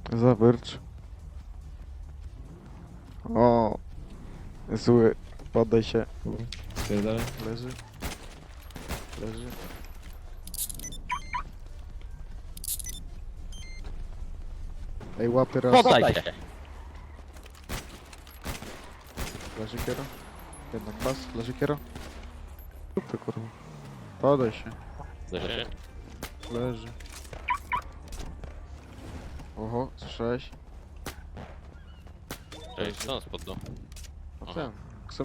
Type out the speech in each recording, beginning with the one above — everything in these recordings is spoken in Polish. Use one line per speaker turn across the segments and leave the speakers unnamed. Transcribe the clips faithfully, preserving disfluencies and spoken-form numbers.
Zawierć. O, zły. Poddaj się.
Pierdolę.
Leży. Leży. Ej, łapy raz.
Poddaj się!
Leży kiero. Jeden pas. Leży kiero. Kupy kurwa. Podaj się.
Leży.
Leży. Oho, słyszałeś?
Cześć, co on spodną?
No
Aha.
ten. Kso...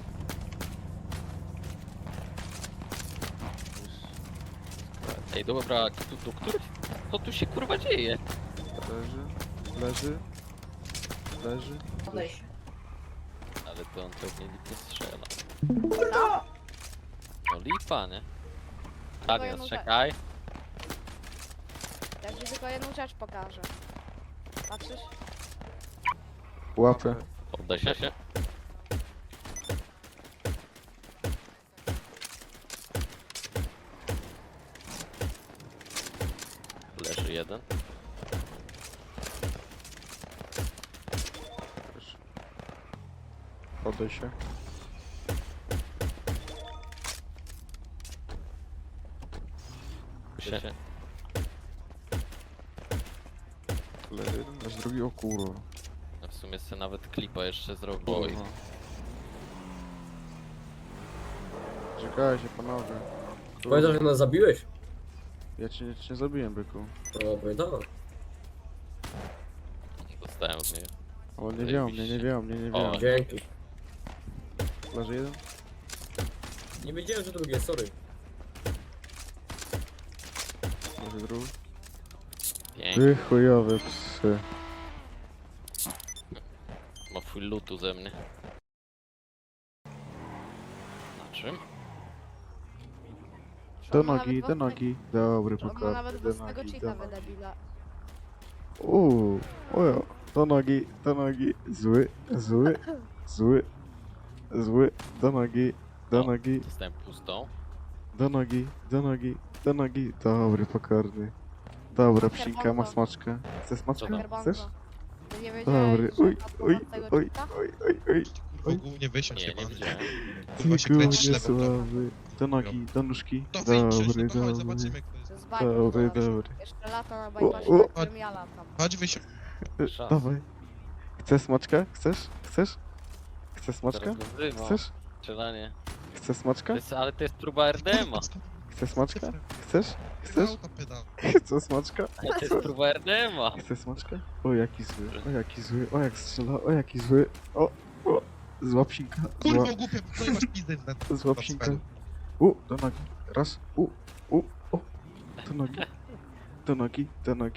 Ej, dobra, tu, tu, który? Co tu się kurwa dzieje?
Leży. Leży. Leży.
Podejść.
Ale to on pewnie nikt nie strzela. No lipa, nie? Adios,
jedną
czekaj.
Ja ci tylko jedną rzecz pokażę. Patrzysz?
Łapy.
Poddaj się. się. Leży jeden.
Podaj się.
Się.
Leży jeden. Leży drugi. O kurwa.
No w sumie sobie nawet klipa jeszcze zrobił. Oj.
Kurwa. Czekajcie panowie. Kurwa.
Pamiętasz, że nas zabiłeś?
Ja cię, ja cię nie zabiłem, byku.
No, pamiętam.
Dostałem od niego.
O, nie wiem mnie, nie wiem mnie, nie
O.
wiem.
Dzięki.
Leży jeden.
Nie wiedziałem, że drugie, sorry.
Leży drugi.
Pięknie.
Ty chujowe psy.
Ma full lootu ze mnie. Na czym?
Do
On ma
nogi,
nawet
do
własnego-
nogi. Dobry
On ma
pokaz.
nawet
Do
własnego
nogi, do
cheata
nogi.
wydebila.
Uuu, ojo. Do nogi, do nogi. Zły, zły, zły, zły. Do nogi, do
O.
nogi,
Dostałem pustą.
do nogi, do nogi, do nogi. Dobry, pokorny. Dobra, psinka, ma smaczkę. Chcesz smaczkę?
Dobra.
Chcesz?
Ty nie wiedziałeś,
Dobry,
że
oj,
ma
oj,
własnego
oj,
cheata?
oj, oj, oj.
Kurwa, głównie wysiądź
Nie, nie
jebany.
widziałem.
Kurwa się kręcisz
Ty
lewą prawo.
słaby. Do nogi, do nóżki.
To wyjdź,
Dobry,
no to chodź,
dobry.
zobaczymy kto jest.
To jest bajka,
Dobry,
zaraz.
dobry.
Jeszcze lata na
O,
bypassie,
o.
na którym ja latam.
Chodź wysiądź.
E,
Szans.
Dawaj. Chcesz smaczkę? Chcesz? Chcesz? Chcesz smaczkę?
Teraz go wzywał.
Chcesz?
Strzelanie.
Chcesz
To
smaczkę?
jest, ale to jest próba R D M-a.
Chcesz smaczkę? Chcesz? Chcesz?
Pedał to pedał.
Chcesz smaczkę?
Ale to jest próba R D M-a.
Chcesz smaczkę? O jaki zły, o jaki zły, o jak strzela, o jaki zły. O, o. Zła psinka, zła,
Kurwa głupia, no i masz pizdę na
zła psinka. U, do nogi. Raz, u, u, o. Do nogi, do nogi, do nogi.